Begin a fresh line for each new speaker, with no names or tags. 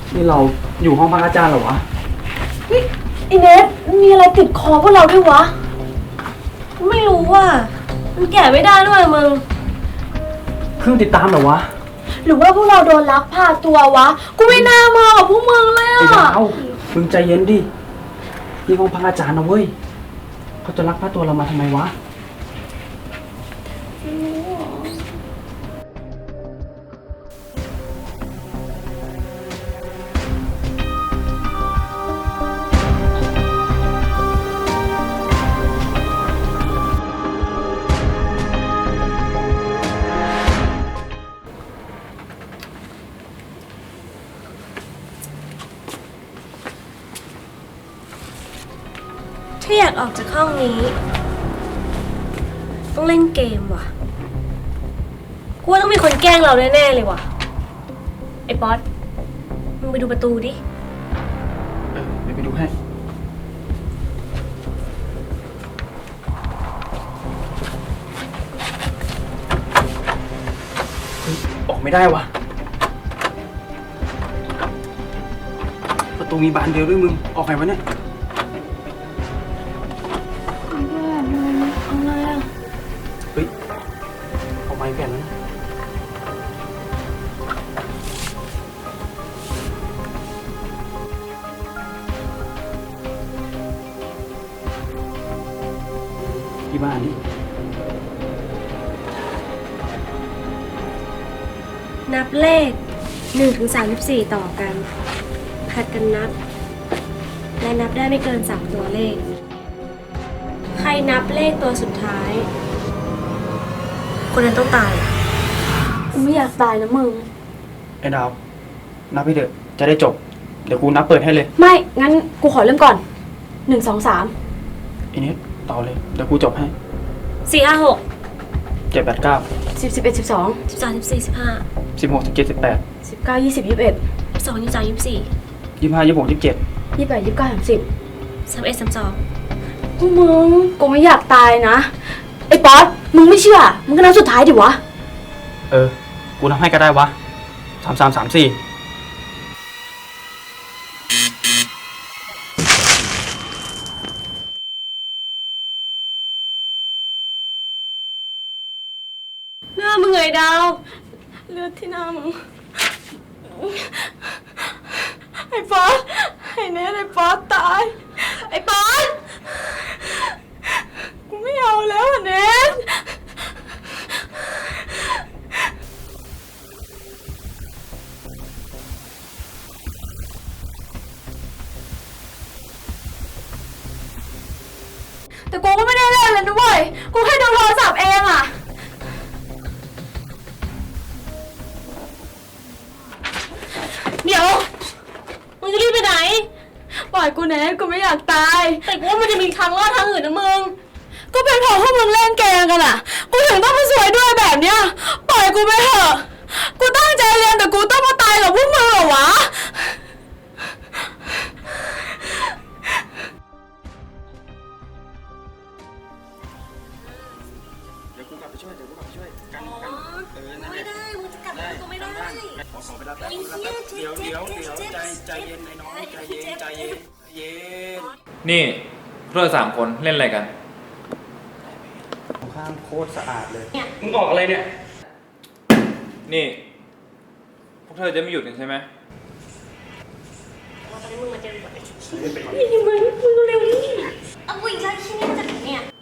นี่เราอยู่ห้องพักอาจารย์เหรอวะ
เฮ้ยไอเนสมีอะไรติดคอพวกเราด้วยวะไม่รู้ว่ะมันแกะไม่ได้ด้วยมึง
เครื่องติดตามเหรอวะ
หรือว่าพวกเราโดนลักพาตัววะกูไม่น่ามากับพวกมึงเลย
ไอ้ดา
อ่ะ
วมึงใจเย็นดินี่ห้องพักอาจารย์นะเว้ยเขาจะลักพาตัวเรามาทำไมวะ
ถ้าอยากออกจากห้องนี้ต้องเล่นเกมว่ะกูว่าต้องมีคนแกล้งเราแน่ๆเลยว่ะไอ้ป๊อตมึงไปดูประตูดิ
เดี๋ยวไปดูให้ออกไม่ได้วะประตูมีบานเดียวด้วยมึงออกไงวะเนี่ยเฮ้ยออกมาอีกแผ่นแล้วนะที่บ้านนี่
นับเลข1 ถึง 34ต่อกันผัดกันนับและนับได้ไม่เกิน3ตัวเลขใครนับเลขตัวสุดท้ายคนนั้นต้องตายกูไม่อยากตายนะมึง
ไอ้ดาวนับให้เถอะจะได้จบเดี๋ยวกูนับเปิดให้เลย
ไม่งั้นกูขอเริ่มก่อน1 2 3
ไอ้เน็ตต่อเลยเดี๋ยวกูจบให้
4 5 6
7 8 9
10 11 12 13 14 15
16 17 18
19 20 21 22 23 24
25 26 27
28 29 30 31 32มึงกูไม่อยากตายนะไอ้ป๊อตมึงไม่เชื่อมึงก็นับสุดท้ายดิวะ
กูนับให้ก็ได้วะ3 3 3 4
หน้ามึงไงดาวเลือดที่หน้ามึงไอ้ป๊อตไอ้เนสไอ้ป๊อตตายไอ้ป๊อตกูไม่เอาแล้วอ่ะเนสแต่กูก็ไม่ได้เล่นเลยนะเว้ยกูแค่ดูโทรศัพท์เองอ่ะเดี๋ยวมึงจะรีบไปไหนปล่อยกูเนสกูไม่อยากตายแต่กูว่ามันจะมีทางรอดทางอื่นนะมึงก็เป็นเพราะพวกมึงเล่นเกมกันอ่ะกูถึงต้องมาสวยด้วยแบบเนี้ยปล่อยกูไปเถอะกูตั้งใจเรียนแต่กูต้องมาตายกับพวกมึงเหรอวะ
เดี๋ยวกูกลับไปช่วยกัน
ไม่ได้มึงจะกลับกูไม่ได้
ขอไปรับแป๊บเดี๋ยวใจเย็นไอ้น้องใจเย็น
นี่พวกเรา3 คนเล่นอะไรกัน
ข้างโคตรสะอาดเลยมึงออกอะไรเนี่ย
นี่พวกเธอจะไม่หยุดกันใช่ไหม
ตอนนี้มึงมาเจอแบบนี่มึงเร็วนี่เอากูอีกแล้วที่นี่มันจะถึงเนี่ย